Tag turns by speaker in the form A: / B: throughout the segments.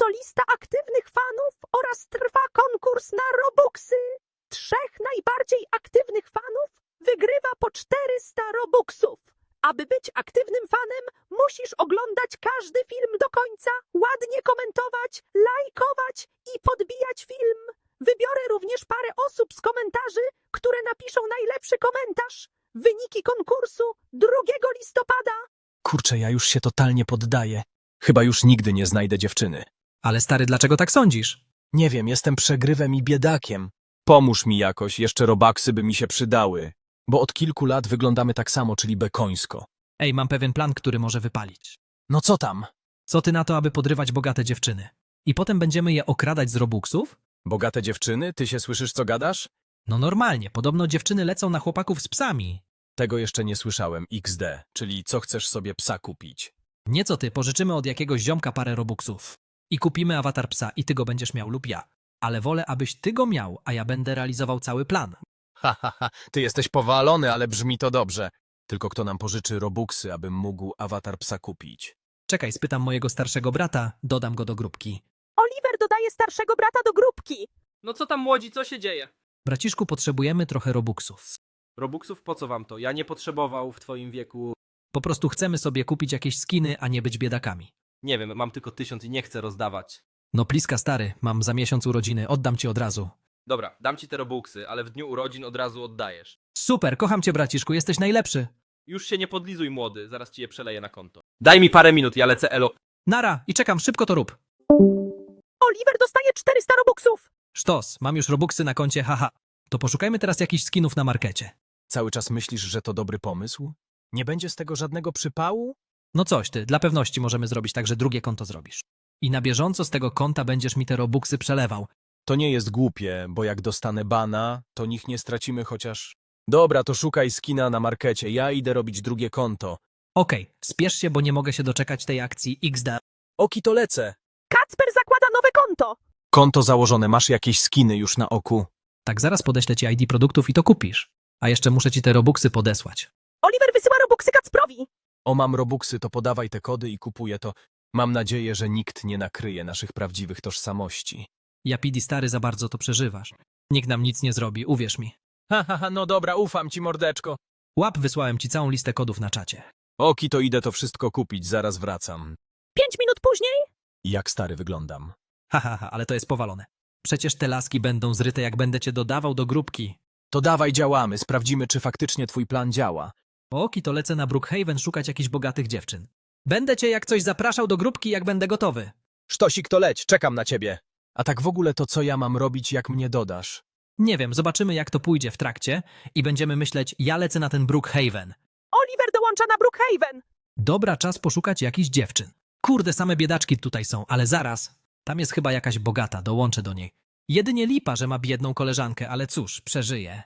A: to lista aktywnych fanów oraz trwa konkurs na Robuxy. 3 najbardziej aktywnych fanów wygrywa po 400 Robuxów. Aby być aktywnym fanem, musisz oglądać każdy film do końca, ładnie komentować, lajkować i podbijać film. Wybiorę również parę osób z komentarzy, które napiszą najlepszy komentarz. Wyniki konkursu 2 listopada.
B: Kurczę, ja już się totalnie poddaję. Chyba już nigdy nie znajdę dziewczyny.
C: Ale stary, dlaczego tak sądzisz?
B: Nie wiem, jestem przegrywem i biedakiem. Pomóż mi jakoś, jeszcze robaksy by mi się przydały. Bo od kilku lat wyglądamy tak samo, czyli bekońsko.
C: Ej, mam pewien plan, który może wypalić.
B: No co tam?
C: Co ty na to, aby podrywać bogate dziewczyny? I potem będziemy je okradać z Robuxów?
B: Bogate dziewczyny? Ty się słyszysz, co gadasz?
C: No normalnie, podobno dziewczyny lecą na chłopaków z psami.
B: Tego jeszcze nie słyszałem, XD, czyli co chcesz sobie psa kupić.
C: Nieco ty, pożyczymy od jakiegoś ziomka parę Robuxów. I kupimy awatar psa i ty go będziesz miał lub ja. Ale wolę, abyś ty go miał, a ja będę realizował cały plan.
B: Ty jesteś powalony, ale brzmi to dobrze. Tylko kto nam pożyczy robuxy, abym mógł awatar psa kupić?
C: Czekaj, spytam mojego starszego brata, dodam go do grupki.
A: Oliver dodaje starszego brata do grupki.
D: No co tam młodzi, co się dzieje?
C: Braciszku, potrzebujemy trochę Robuxów.
D: Robuxów po co wam to? Ja nie potrzebował w twoim wieku.
C: Po prostu chcemy sobie kupić jakieś skiny, a nie być biedakami.
D: Nie wiem, mam tylko 1000 i nie chcę rozdawać.
C: No pliska stary, mam za miesiąc urodziny, oddam ci od razu.
D: Dobra, dam ci te Robuxy, ale w dniu urodzin od razu oddajesz.
C: Super, kocham cię braciszku, jesteś najlepszy.
D: Już się nie podlizuj młody, zaraz ci je przeleję na konto. Daj mi parę minut, ja lecę elo.
C: Nara i czekam, szybko to rób.
A: Oliver dostaje 400 Robuxów.
C: Sztos, mam już Robuxy na koncie, haha. To poszukajmy teraz jakichś skinów na markecie.
B: Cały czas myślisz, że to dobry pomysł? Nie będzie z tego żadnego przypału?
C: No coś ty, dla pewności możemy zrobić tak, że drugie konto zrobisz. I na bieżąco z tego konta będziesz mi te Robuxy przelewał.
B: To nie jest głupie, bo jak dostanę bana, to nich nie stracimy chociaż... Dobra, to szukaj skina na markecie, ja idę robić drugie konto.
C: Okej, spiesz się, bo nie mogę się doczekać tej akcji XD.
B: Oki to lecę.
A: Kacper zakłada nowe konto.
B: Konto założone, masz jakieś skiny już na oku?
C: Tak, zaraz podeślę ci ID produktów i to kupisz. A jeszcze muszę ci te Robuxy podesłać.
A: Oliver wysyła Robuxy Kacprowi.
B: O, mam robuxy, to podawaj te kody i kupuję to. Mam nadzieję, że nikt nie nakryje naszych prawdziwych tożsamości.
C: Japidi stary, za bardzo to przeżywasz. Nikt nam nic nie zrobi, uwierz mi.
B: No dobra, ufam ci, mordeczko.
C: Łap, wysłałem ci całą listę kodów na czacie.
B: Oki, to idę to wszystko kupić, zaraz wracam.
A: 5 minut później.
B: Jak stary wyglądam?
C: Ale to jest powalone. Przecież te laski będą zryte, jak będę cię dodawał do grupki.
B: To dawaj, działamy, sprawdzimy, czy faktycznie twój plan działa.
C: Oki, to lecę na Brookhaven szukać jakichś bogatych dziewczyn. Będę cię jak coś zapraszał do grupki, jak będę gotowy.
B: Sztosik, to leć, czekam na ciebie. A tak w ogóle to co ja mam robić, jak mnie dodasz?
C: Nie wiem, zobaczymy jak to pójdzie w trakcie i będziemy myśleć, ja lecę na ten Brookhaven.
A: Oliver dołącza na Brookhaven.
C: Dobra, czas poszukać jakichś dziewczyn. Kurde, same biedaczki tutaj są, ale zaraz. Tam jest chyba jakaś bogata, dołączę do niej. Jedynie lipa, że ma biedną koleżankę, ale cóż, przeżyje.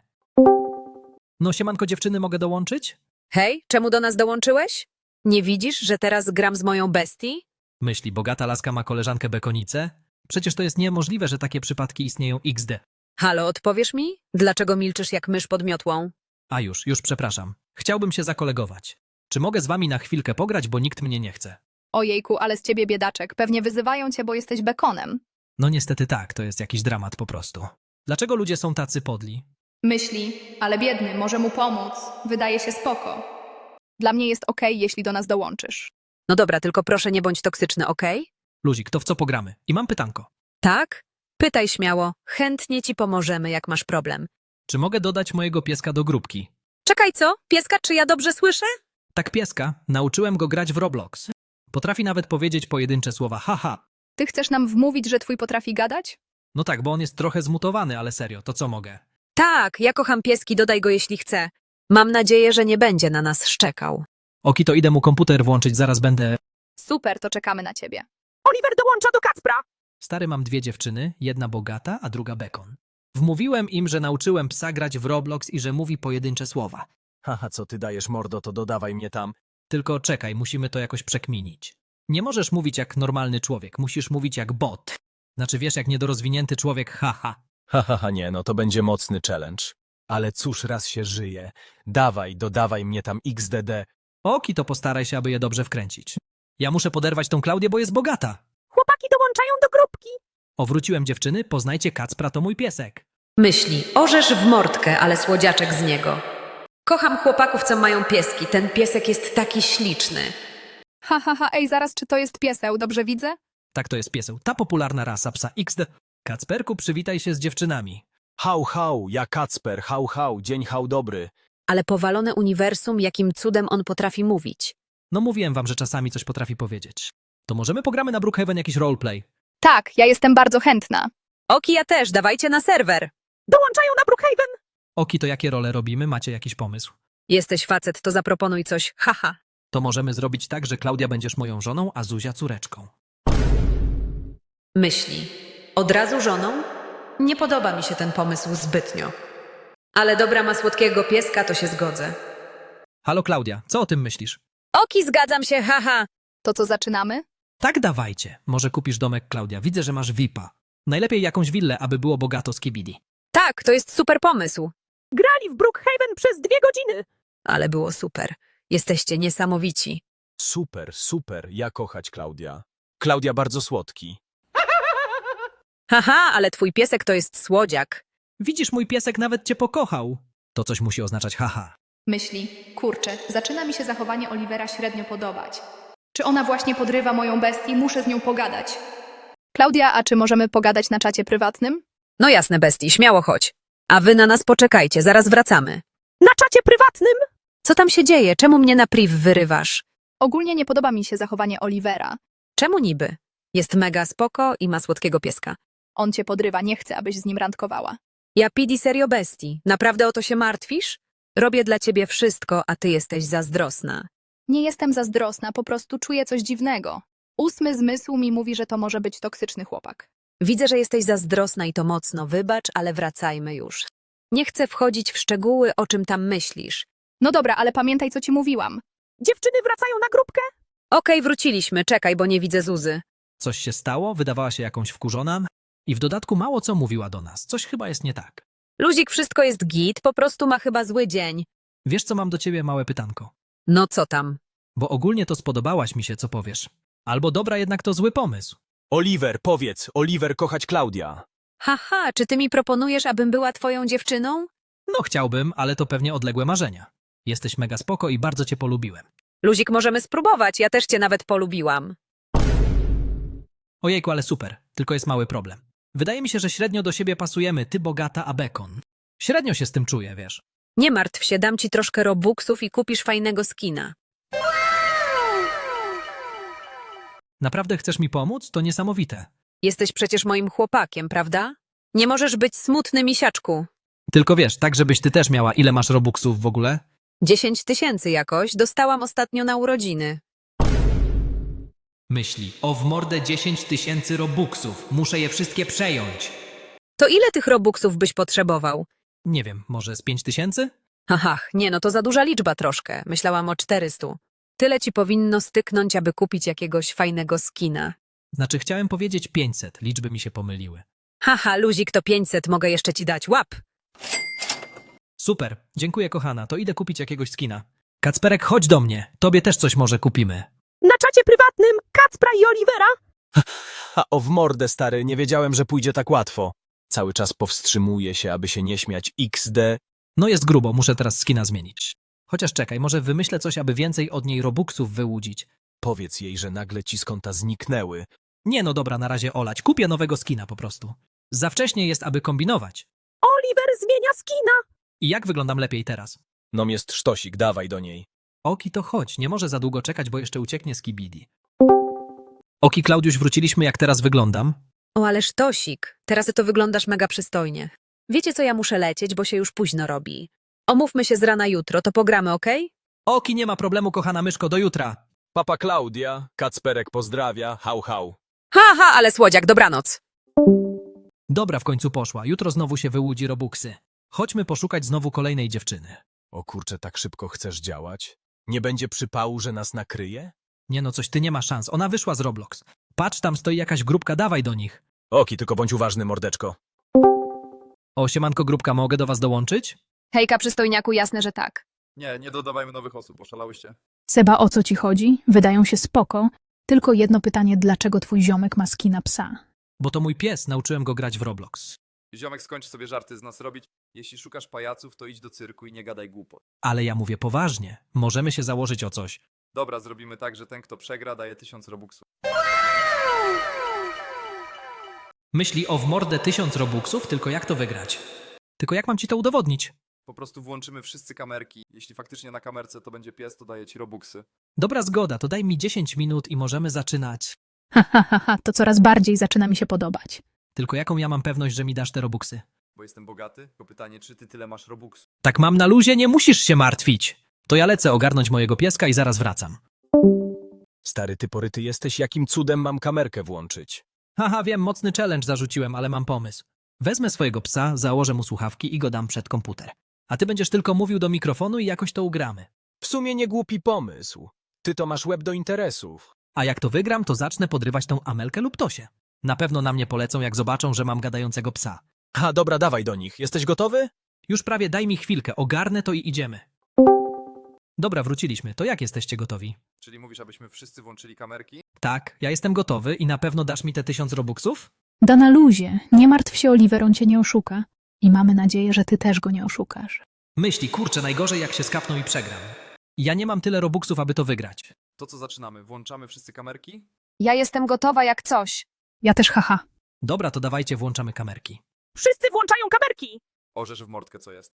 C: No siemanko dziewczyny, mogę dołączyć?
E: Hej, czemu do nas dołączyłeś? Nie widzisz, że teraz gram z moją bestii?
C: Myśli, bogata laska ma koleżankę bekonicę? Przecież to jest niemożliwe, że takie przypadki istnieją XD.
E: Halo, odpowiesz mi? Dlaczego milczysz jak mysz pod miotłą?
C: A już przepraszam. Chciałbym się zakolegować. Czy mogę z wami na chwilkę pograć, bo nikt mnie nie chce?
F: Ojejku, ale z ciebie biedaczek. Pewnie wyzywają cię, bo jesteś bekonem.
C: No niestety tak, to jest jakiś dramat po prostu. Dlaczego ludzie są tacy podli?
F: Myśli, ale biedny, może mu pomóc. Wydaje się spoko. Dla mnie jest okej, jeśli do nas dołączysz.
E: No dobra, tylko proszę nie bądź toksyczny, okej?
C: Luzik, to w co pogramy? I mam pytanko.
E: Tak? Pytaj śmiało, chętnie ci pomożemy, jak masz problem.
C: Czy mogę dodać mojego pieska do grupki?
E: Czekaj, co? Pieska, czy ja dobrze słyszę?
C: Tak, pieska. Nauczyłem go grać w Roblox. Potrafi nawet powiedzieć pojedyncze słowa haha.
F: Ty chcesz nam wmówić, że twój potrafi gadać?
C: No tak, bo on jest trochę zmutowany, ale serio, to co mogę?
E: Tak, ja kocham pieski, dodaj go jeśli chce. Mam nadzieję, że nie będzie na nas szczekał.
C: Oki, to idę mu komputer włączyć, zaraz będę...
F: Super, to czekamy na ciebie.
A: Oliver dołącza do Kacpra.
C: Stary, mam 2 dziewczyny, jedna bogata, a druga bekon. Wmówiłem im, że nauczyłem psa grać w Roblox i że mówi pojedyncze słowa.
B: Co ty dajesz, mordo, to dodawaj mnie tam.
C: Tylko czekaj, musimy to jakoś przekminić. Nie możesz mówić jak normalny człowiek, musisz mówić jak bot. Znaczy wiesz, jak niedorozwinięty człowiek, haha.
B: Nie, no to będzie mocny challenge. Ale cóż, raz się żyje. Dawaj, dodawaj mnie tam XDD.
C: Oki, to postaraj się, aby je dobrze wkręcić. Ja muszę poderwać tą Klaudię, bo jest bogata.
A: Chłopaki dołączają dołączają do grupki.
C: Wróciłem dziewczyny, poznajcie Kacpra, to mój piesek.
E: Myśli, orzesz w mordkę, ale słodziaczek z niego. Kocham chłopaków, co mają pieski. Ten piesek jest taki śliczny.
F: Ha, ha, ha, ej, zaraz, czy to jest pieseł, dobrze widzę?
C: Tak to jest pieseł, ta popularna rasa psa XD. Kacperku, przywitaj się z dziewczynami.
B: Hał, hał, ja Kacper, hał, hał, dzień hał dobry.
E: Ale powalone uniwersum, jakim cudem on potrafi mówić.
C: No mówiłem wam, że czasami coś potrafi powiedzieć. To możemy pogramy na Brookhaven jakiś roleplay.
F: Tak, ja jestem bardzo chętna.
E: Oki, ja też, dawajcie na serwer.
A: Dołączają na Brookhaven.
C: Oki, to jakie role robimy? Macie jakiś pomysł?
E: Jesteś facet, to zaproponuj coś, haha.
C: To możemy zrobić tak, że Klaudia będziesz moją żoną, a Zuzia córeczką.
E: Myśli. Od razu żoną? Nie podoba mi się ten pomysł zbytnio. Ale dobra ma słodkiego pieska, to się zgodzę.
C: Halo Klaudia, co o tym myślisz?
E: Oki, zgadzam się, haha.
F: To co, zaczynamy?
C: Tak dawajcie. Może kupisz domek, Klaudia. Widzę, że masz VIP-a. Najlepiej jakąś willę, aby było bogato z kibidi.
E: Tak, to jest super pomysł.
A: Grali w Brookhaven przez 2 godziny.
E: Ale było super. Jesteście niesamowici.
B: Super, super, ja kochać Klaudia. Klaudia bardzo słodki.
E: Haha, ale twój piesek to jest słodziak.
C: Widzisz, mój piesek nawet cię pokochał. To coś musi oznaczać haha.
F: Myśli, kurczę, zaczyna mi się zachowanie Olivera średnio podobać. Czy ona właśnie podrywa moją bestię? Muszę z nią pogadać. Klaudia, a czy możemy pogadać na czacie prywatnym?
E: No jasne, bestii, śmiało chodź. A wy na nas poczekajcie, zaraz wracamy.
A: Na czacie prywatnym.
E: Co tam się dzieje? Czemu mnie na priv wyrywasz?
F: Ogólnie nie podoba mi się zachowanie Olivera.
E: Czemu niby? Jest mega spoko i ma słodkiego pieska.
F: On cię podrywa, nie chce, abyś z nim randkowała.
E: Ja pidi serio bestii. Naprawdę o to się martwisz? Robię dla ciebie wszystko, a ty jesteś zazdrosna.
F: Nie jestem zazdrosna, po prostu czuję coś dziwnego. 8 zmysł mi mówi, że to może być toksyczny chłopak.
E: Widzę, że jesteś zazdrosna i to mocno. Wybacz, ale wracajmy już. Nie chcę wchodzić w szczegóły, o czym tam myślisz.
F: No dobra, ale pamiętaj, co ci mówiłam.
A: Dziewczyny wracają na grupkę.
E: Okej, wróciliśmy. Czekaj, bo nie widzę Zuzy.
C: Coś się stało? Wydawała się jakąś wkurzona? I w dodatku mało co mówiła do nas. Coś chyba jest nie tak.
E: Luzik, wszystko jest git, po prostu ma chyba zły dzień.
C: Wiesz, co mam do ciebie małe pytanko?
E: No co tam?
C: Bo ogólnie to spodobałaś mi się, co powiesz. Albo dobra, jednak to zły pomysł.
B: Oliver, powiedz, Oliver kochać Klaudia.
E: Haha, czy ty mi proponujesz, abym była twoją dziewczyną?
C: No chciałbym, ale to pewnie odległe marzenia. Jesteś mega spoko i bardzo cię polubiłem.
E: Luzik, możemy spróbować, ja też cię nawet polubiłam.
C: Ojejku, ale super. Tylko jest mały problem. Wydaje mi się, że średnio do siebie pasujemy, ty bogata, a bekon. Średnio się z tym czuję, wiesz.
E: Nie martw się, dam ci troszkę robuxów i kupisz fajnego skina.
C: Naprawdę chcesz mi pomóc? To niesamowite.
E: Jesteś przecież moim chłopakiem, prawda? Nie możesz być smutny, misiaczku.
C: Tylko wiesz, tak żebyś ty też miała, ile masz robuxów w ogóle?
E: 10 000 jakoś, dostałam ostatnio na urodziny.
C: Myśli, o w mordę 10 000 robuxów. Muszę je wszystkie przejąć.
E: To ile tych robuxów byś potrzebował?
C: Nie wiem, może z 5000?
E: Haha, nie no, to za duża liczba troszkę. Myślałam o 400. Tyle ci powinno styknąć, aby kupić jakiegoś fajnego skina.
C: Znaczy chciałem powiedzieć 500, liczby mi się pomyliły.
E: Haha, luzik to 500, mogę jeszcze ci dać, łap!
C: Super, dziękuję kochana, to idę kupić jakiegoś skina. Kacperek, chodź do mnie, tobie też coś może kupimy.
A: Na czacie prywatnym Kacpra i Olivera.
B: Ha, o w mordę, stary, nie wiedziałem, że pójdzie tak łatwo. Cały czas powstrzymuję się, aby się nie śmiać XD.
C: No jest grubo, muszę teraz skina zmienić. Chociaż czekaj, może wymyślę coś, aby więcej od niej robuxów wyłudzić.
B: Powiedz jej, że nagle ci z konta zniknęły.
C: Nie no dobra, na razie olać, kupię nowego skina po prostu. Za wcześnie jest, aby kombinować.
A: Oliver zmienia skina.
C: I jak wyglądam lepiej teraz?
B: Nom jest sztosik, dawaj do niej.
C: Oki, to chodź, nie może za długo czekać, bo jeszcze ucieknie z kibidi. Oki, Klaudiusz, wróciliśmy, jak teraz wyglądam?
E: O, ależ Tosik, teraz to wyglądasz mega przystojnie. Wiecie co, ja muszę lecieć, bo się już późno robi. Omówmy się z rana jutro, to pogramy, okej?
C: Oki, nie ma problemu, kochana myszko, do jutra.
B: Papa Klaudia, Kacperek pozdrawia, hał hał.
E: Haha, ale słodziak, dobranoc.
C: Dobra, w końcu poszła, jutro znowu się wyłudzi robuxy. Chodźmy poszukać znowu kolejnej dziewczyny.
B: O kurczę, tak szybko chcesz działać? Nie będzie przypału, że nas nakryje?
C: Nie no, coś ty nie ma szans, ona wyszła z Roblox. Patrz, tam stoi jakaś grupka, dawaj do nich.
B: Oki, tylko bądź uważny, mordeczko.
C: O, siemanko grupka, mogę do was dołączyć?
F: Hejka, przystojniaku, jasne, że tak.
G: Nie dodawajmy nowych osób, oszalałyście.
H: Seba, o co ci chodzi? Wydają się spoko.
G: Tylko jedno pytanie, dlaczego twój ziomek ma skina psa?
C: Bo to mój pies, nauczyłem go grać w Roblox.
H: Ziomek, skończ sobie żarty z nas robić. Jeśli szukasz pajaców, to idź do cyrku i nie gadaj głupot.
C: Ale ja mówię poważnie. Możemy się założyć o coś.
H: Dobra, zrobimy tak, że ten, kto przegra, daje 1000 robuxów.
C: Myśli o w mordę 1000 robuxów, tylko jak to wygrać? Tylko jak mam ci to udowodnić?
H: Po prostu włączymy wszyscy kamerki. Jeśli faktycznie na kamerce to będzie pies, to daje ci robuxy.
C: Dobra zgoda, to daj mi 10 minut i możemy zaczynać.
G: To coraz bardziej zaczyna mi się podobać.
C: Tylko jaką ja mam pewność, że mi dasz te robuxy?
H: Bo jestem bogaty, tylko pytanie, czy ty tyle masz robuxów?
C: Tak mam na luzie, nie musisz się martwić. To ja lecę ogarnąć mojego pieska i zaraz wracam.
B: Stary, ty poryty jesteś, jakim cudem mam kamerkę włączyć?
C: Haha, wiem, mocny challenge zarzuciłem, ale mam pomysł. Wezmę swojego psa, założę mu słuchawki i go dam przed komputer. A ty będziesz tylko mówił do mikrofonu i jakoś to ugramy.
B: W sumie nie głupi pomysł. Ty to masz łeb do interesów.
C: A jak to wygram, to zacznę podrywać tą Amelkę lub Tosię. Na pewno na mnie polecą, jak zobaczą, że mam gadającego psa.
B: Ha, dobra, dawaj do nich. Jesteś gotowy?
C: Już prawie daj mi chwilkę, ogarnę to i idziemy. Dobra, wróciliśmy. To jak jesteście gotowi?
H: Czyli mówisz, abyśmy wszyscy włączyli kamerki?
C: Tak, ja jestem gotowy i na pewno dasz mi te 1000 robuxów?
G: Da na luzie, nie martw się, Oliver, on cię nie oszuka. I mamy nadzieję, że ty też go nie oszukasz.
C: Myśli, kurczę, najgorzej jak się skapną i przegram. Ja nie mam tyle robuxów, aby to wygrać.
H: To co zaczynamy? Włączamy wszyscy kamerki?
E: Ja jestem gotowa jak coś.
G: Ja też haha.
C: Dobra, to dawajcie, włączamy kamerki.
A: Wszyscy włączają kamerki!
H: Orzesz w mordkę, co jest.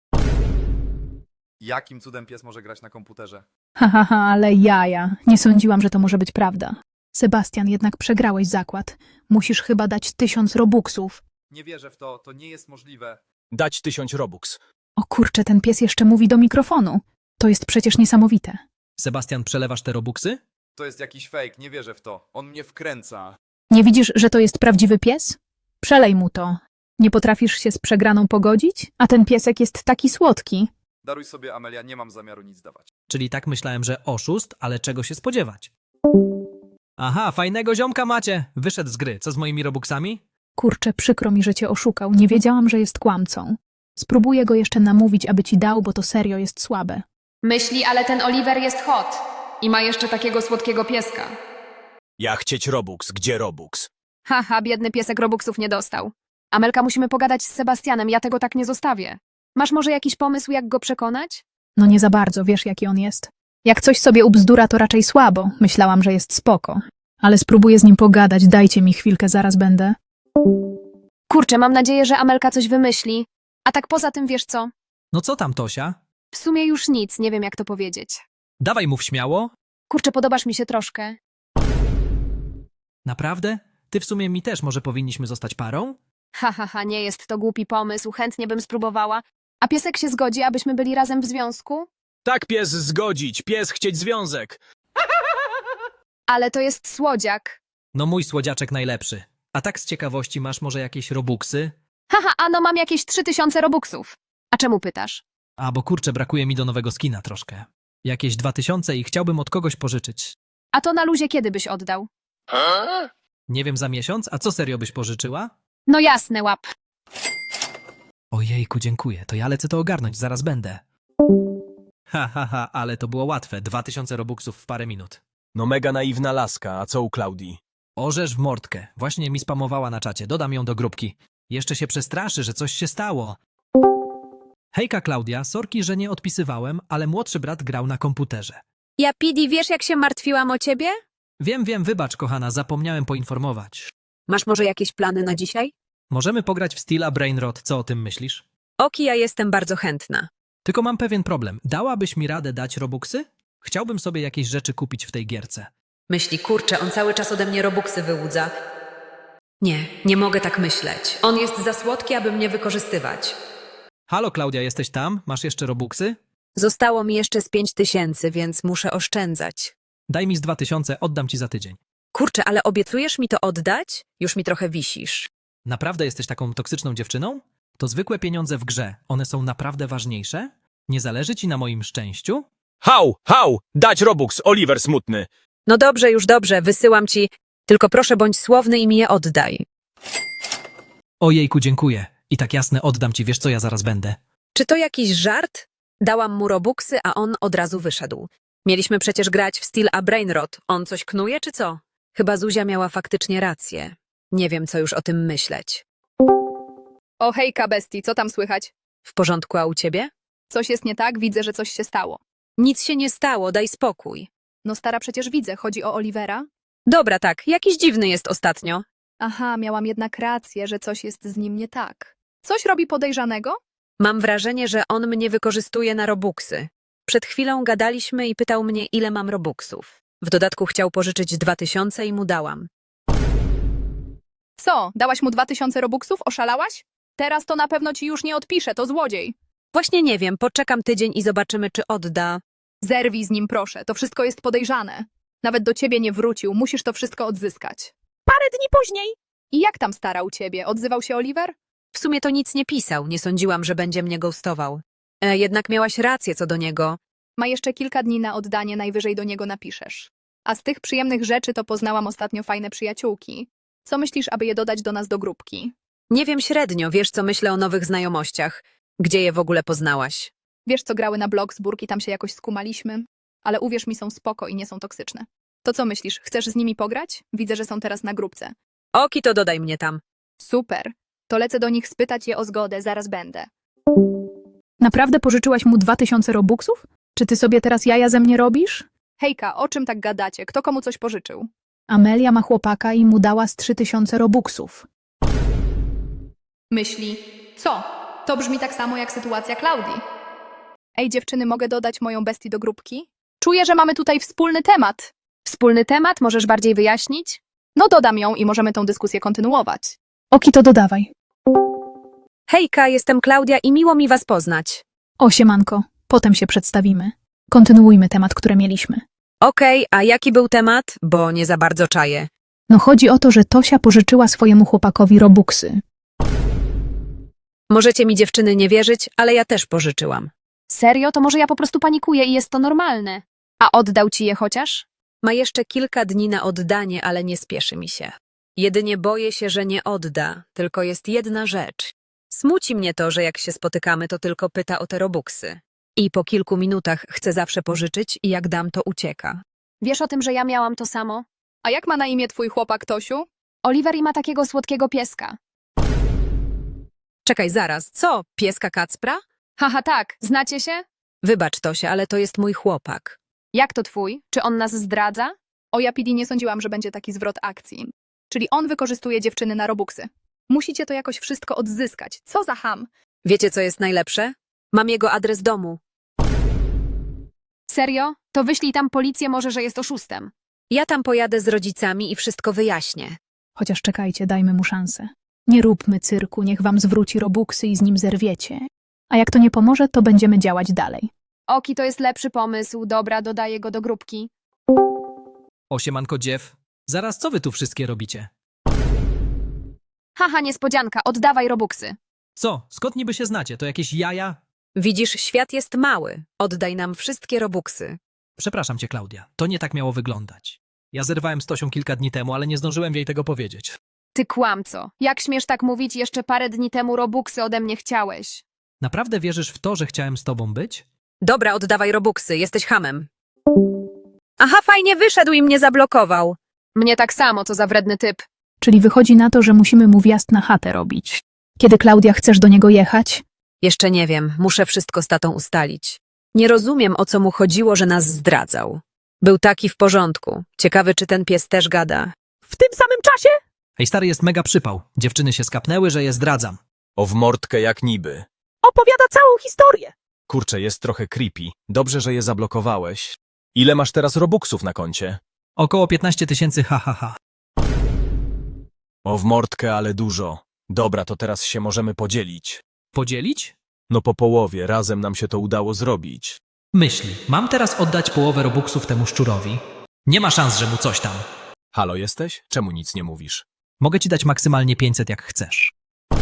H: Jakim cudem pies może grać na komputerze?
G: Ale jaja. Nie sądziłam, że to może być prawda. Sebastian, jednak przegrałeś zakład. Musisz chyba dać 1000 robuxów.
H: Nie wierzę w to, to nie jest możliwe.
B: Dać 1000 robux.
G: O kurczę, ten pies jeszcze mówi do mikrofonu. To jest przecież niesamowite.
C: Sebastian, przelewasz te robuxy?
H: To jest jakiś fake, nie wierzę w to. On mnie wkręca.
G: Nie widzisz, że to jest prawdziwy pies? Przelej mu to. Nie potrafisz się z przegraną pogodzić? A ten piesek jest taki słodki.
H: Daruj sobie, Amelia, nie mam zamiaru nic dawać.
C: Czyli tak myślałem, że oszust, ale czego się spodziewać? Aha, fajnego ziomka macie. Wyszedł z gry. Co z moimi robuxami?
G: Kurczę, przykro mi, że cię oszukał. Nie wiedziałam, że jest kłamcą. Spróbuję go jeszcze namówić, aby ci dał, bo to serio jest słabe.
F: Myśli, ale ten Oliver jest hot. I ma jeszcze takiego słodkiego pieska.
B: Ja chcieć robux. Gdzie robux?
E: Haha, biedny piesek robuxów nie dostał. Amelka, musimy pogadać z Sebastianem, ja tego tak nie zostawię. Masz może jakiś pomysł, jak go przekonać?
G: No nie za bardzo, wiesz jaki on jest. Jak coś sobie ubzdura, to raczej słabo. Myślałam, że jest spoko. Ale spróbuję z nim pogadać, dajcie mi chwilkę, zaraz będę.
E: Kurczę, mam nadzieję, że Amelka coś wymyśli. A tak poza tym, wiesz co?
C: No co tam, Tosia?
E: W sumie już nic, nie wiem jak to powiedzieć.
C: Dawaj, mów śmiało.
E: Kurczę, podobasz mi się troszkę.
C: Naprawdę? Ty w sumie mi też, może powinniśmy zostać parą?
E: Ha, nie jest to głupi pomysł, chętnie bym spróbowała. A piesek się zgodzi, abyśmy byli razem w związku?
B: Tak, pies zgodzić. Pies chcieć związek.
E: Ale to jest słodziak.
C: No mój słodziaczek najlepszy. A tak z ciekawości masz może jakieś robuxy?
E: Haha, ano mam jakieś 3000 robuxów. A czemu pytasz?
C: A bo kurczę, brakuje mi do nowego skina troszkę. Jakieś 2000 i chciałbym od kogoś pożyczyć.
E: A to na luzie kiedy byś oddał?
C: Nie wiem, za miesiąc? A co serio byś pożyczyła?
E: No jasne, łap.
C: Ojejku, dziękuję. To ja lecę to ogarnąć, zaraz będę. Ale to było łatwe. 2000 robuxów w parę minut.
B: No mega naiwna laska, a co u Klaudii?
C: Orzesz w mordkę. Właśnie mi spamowała na czacie. Dodam ją do grupki. Jeszcze się przestraszy, że coś się stało. Hejka, Klaudia. Sorki, że nie odpisywałem, ale młodszy brat grał na komputerze.
E: Ja, Pidi, wiesz jak się martwiłam o ciebie?
C: Wiem, wybacz, kochana, zapomniałem poinformować.
E: Masz może jakieś plany na dzisiaj?
C: Możemy pograć w Steela Brainrot, co o tym myślisz?
E: Oki, ja jestem bardzo chętna.
C: Tylko mam pewien problem. Dałabyś mi radę dać robuxy? Chciałbym sobie jakieś rzeczy kupić w tej gierce.
E: Myśli, kurczę, on cały czas ode mnie robuxy wyłudza. Nie mogę tak myśleć. On jest za słodki, aby mnie wykorzystywać.
C: Halo, Klaudia, jesteś tam? Masz jeszcze robuxy?
E: Zostało mi jeszcze z 5000, więc muszę oszczędzać.
C: Daj mi z 2000, oddam ci za tydzień.
E: Kurczę, ale obiecujesz mi to oddać? Już mi trochę wisisz.
C: Naprawdę jesteś taką toksyczną dziewczyną? To zwykłe pieniądze w grze. One są naprawdę ważniejsze? Nie zależy ci na moim szczęściu?
B: Hał! Dać robux, Oliver smutny.
E: No dobrze, już dobrze, wysyłam ci. Tylko proszę bądź słowny i mi je oddaj.
C: Ojejku, dziękuję. I tak jasne, oddam ci, wiesz co, ja zaraz będę.
E: Czy to jakiś żart? Dałam mu robuxy, a on od razu wyszedł. Mieliśmy przecież grać w Steel a Brainrot. On coś knuje, czy co? Chyba Zuzia miała faktycznie rację. Nie wiem, co już o tym myśleć.
F: O hejka, bestii, co tam słychać?
E: W porządku, a u ciebie?
F: Coś jest nie tak? Widzę, że coś się stało.
E: Nic się nie stało, daj spokój.
F: No stara, przecież widzę. Chodzi o Olivera?
E: Dobra, tak, jakiś dziwny jest ostatnio.
F: Aha, miałam jednak rację, że coś jest z nim nie tak. Coś robi podejrzanego?
E: Mam wrażenie, że on mnie wykorzystuje na robuxy. Przed chwilą gadaliśmy i pytał mnie, ile mam robuxów. W dodatku chciał pożyczyć 2000 i mu dałam.
F: Co, dałaś mu 2000 robuxów? Oszalałaś? Teraz to na pewno ci już nie odpisze, to złodziej.
E: Właśnie nie wiem, poczekam tydzień i zobaczymy, czy odda.
F: Zerwij z nim, proszę, to wszystko jest podejrzane. Nawet do ciebie nie wrócił, musisz to wszystko odzyskać.
A: Parę dni później
F: I jak tam stara u ciebie? Odzywał się Oliver?
E: W sumie to nic nie pisał, nie sądziłam, że będzie mnie ghostował. Jednak miałaś rację co do niego.
F: Ma jeszcze kilka dni na oddanie, najwyżej do niego napiszesz. A z tych przyjemnych rzeczy to poznałam ostatnio fajne przyjaciółki. Co myślisz, aby je dodać do nas do grupki?
E: Nie wiem średnio, wiesz co myślę o nowych znajomościach. Gdzie je w ogóle poznałaś?
F: Wiesz, co grały na Bloxburg i tam się jakoś skumaliśmy? Ale uwierz mi, są spoko i nie są toksyczne. To co myślisz, chcesz z nimi pograć? Widzę, że są teraz na grupce.
E: Oki, to dodaj mnie tam.
F: Super. To lecę do nich spytać je o zgodę, zaraz będę.
G: Naprawdę pożyczyłaś mu 2000 robuxów? Czy ty sobie teraz jaja ze mnie robisz?
F: Hejka, o czym tak gadacie? Kto komu coś pożyczył?
G: Amelia ma chłopaka i mu dała z 3000 robuxów.
F: Myśli. Co? To brzmi tak samo jak sytuacja Klaudii. Ej, dziewczyny, mogę dodać moją bestię do grupki? Czuję, że mamy tutaj wspólny temat. Wspólny temat? Możesz bardziej wyjaśnić? No dodam ją i możemy tą dyskusję kontynuować.
G: Oki, to dodawaj.
E: Hejka, jestem Klaudia i miło mi was poznać.
G: O, siemanko, potem się przedstawimy. Kontynuujmy temat, który mieliśmy.
E: Okej, a jaki był temat? Bo nie za bardzo czaję.
G: No chodzi o to, że Tosia pożyczyła swojemu chłopakowi robuxy.
E: Możecie mi dziewczyny nie wierzyć, ale ja też pożyczyłam.
F: Serio? To może ja po prostu panikuję i jest to normalne. A oddał ci je chociaż?
E: Ma jeszcze kilka dni na oddanie, ale nie spieszy mi się. Jedynie boję się, że nie odda, tylko jest jedna rzecz. Smuci mnie to, że jak się spotykamy, to tylko pyta o te robuxy. I po kilku minutach chce zawsze pożyczyć i jak dam, to ucieka.
I: Wiesz o tym, że ja miałam to samo?
F: A jak ma na imię twój chłopak, Tosiu?
I: Oliver i ma takiego słodkiego pieska.
E: Czekaj, zaraz, co? Pieska Kacpra?
I: Haha, tak, znacie się?
E: Wybacz, Tosia, ale to jest mój chłopak.
I: Jak to twój? Czy on nas zdradza?
F: O ja, PD, nie sądziłam, że będzie taki zwrot akcji. Czyli on wykorzystuje dziewczyny na robuxy. Musicie to jakoś wszystko odzyskać. Co za ham?
E: Wiecie, co jest najlepsze? Mam jego adres domu.
I: Serio? To wyślij tam policję, może, że jest oszustem.
E: Ja tam pojadę z rodzicami i wszystko wyjaśnię.
G: Chociaż czekajcie, dajmy mu szansę. Nie róbmy cyrku, niech wam zwróci robuxy i z nim zerwiecie. A jak to nie pomoże, to będziemy działać dalej.
I: Oki, to jest lepszy pomysł. Dobra, dodaję go do grupki.
C: O, siemanko, dziew. Zaraz, co wy tu wszystkie robicie?
I: Haha, niespodzianka, oddawaj robuxy.
C: Co? Skąd niby się znacie? To jakieś jaja?
E: Widzisz, świat jest mały. Oddaj nam wszystkie robuxy.
C: Przepraszam cię, Klaudia. To nie tak miało wyglądać. Ja zerwałem z Tosią kilka dni temu, ale nie zdążyłem jej tego powiedzieć.
I: Ty kłamco. Jak śmiesz tak mówić? Jeszcze parę dni temu robuxy ode mnie chciałeś.
C: Naprawdę wierzysz w to, że chciałem z tobą być?
E: Dobra, oddawaj robuxy, jesteś hamem. Aha, fajnie wyszedł i mnie zablokował.
I: Mnie tak samo, co za wredny typ.
G: Czyli wychodzi na to, że musimy mu wjazd na chatę robić. Kiedy, Klaudia, chcesz do niego jechać?
E: Jeszcze nie wiem, muszę wszystko z tatą ustalić. Nie rozumiem, o co mu chodziło, że nas zdradzał. Był taki w porządku. Ciekawy, czy ten pies też gada.
A: w tym samym czasie
C: Ej, stary, jest mega przypał. Dziewczyny się skapnęły, że je zdradzam.
B: O w mordkę jak niby.
A: opowiada całą historię.
B: Kurczę, jest trochę creepy. Dobrze, że je zablokowałeś. Ile masz teraz robuxów na koncie?
C: Około 15 000, ha, ha, ha.
B: O w mordkę, ale dużo. Dobra, to teraz się możemy podzielić.
C: Podzielić?
B: No po połowie, razem nam się to udało zrobić.
C: Myśli, mam teraz oddać połowę robuxów temu szczurowi? Nie ma szans, że mu coś tam.
B: Halo, jesteś? Czemu nic nie mówisz?
C: Mogę ci dać maksymalnie 500, jak chcesz.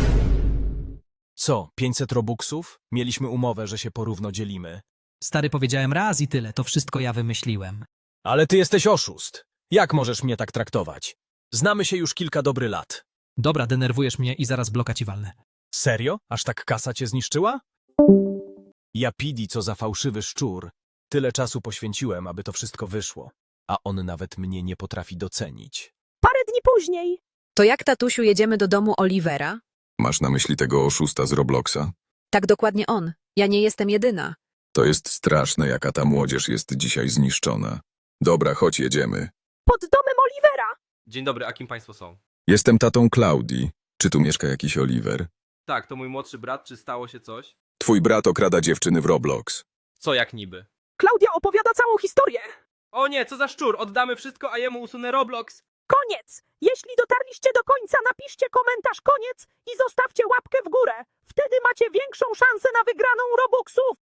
B: Co, 500 robuxów? Mieliśmy umowę, że się porówno dzielimy.
C: Stary, powiedziałem raz i tyle, to wszystko ja wymyśliłem.
B: Ale ty jesteś oszust. Jak możesz mnie tak traktować? Znamy się już kilka dobrych lat.
C: Dobra, denerwujesz mnie i zaraz bloka ci walnę.
B: Serio? Aż tak kasa cię zniszczyła? Ja, PD, co za fałszywy szczur. Tyle czasu poświęciłem, aby to wszystko wyszło. a on nawet mnie nie potrafi docenić.
A: Parę dni później.
E: To jak, tatusiu, jedziemy do domu Olivera?
J: Masz na myśli tego oszusta z Robloxa?
E: Tak, dokładnie on. Ja nie jestem jedyna.
J: To jest straszne, jaka ta młodzież jest dzisiaj zniszczona. Dobra, chodź, jedziemy.
A: Pod domem Olivera.
D: Dzień dobry, a kim państwo są?
J: Jestem tatą Klaudii. Czy tu mieszka jakiś Oliver?
D: Tak, to mój młodszy brat, czy stało się coś?
J: Twój brat okrada dziewczyny w Roblox.
D: Co jak niby?
A: Klaudia opowiada całą historię.
D: O nie, co za szczur, oddamy wszystko, a jemu usunę Roblox.
A: Koniec! Jeśli dotarliście do końca, napiszcie komentarz koniec i zostawcie łapkę w górę. Wtedy macie większą szansę na wygraną Robuxów.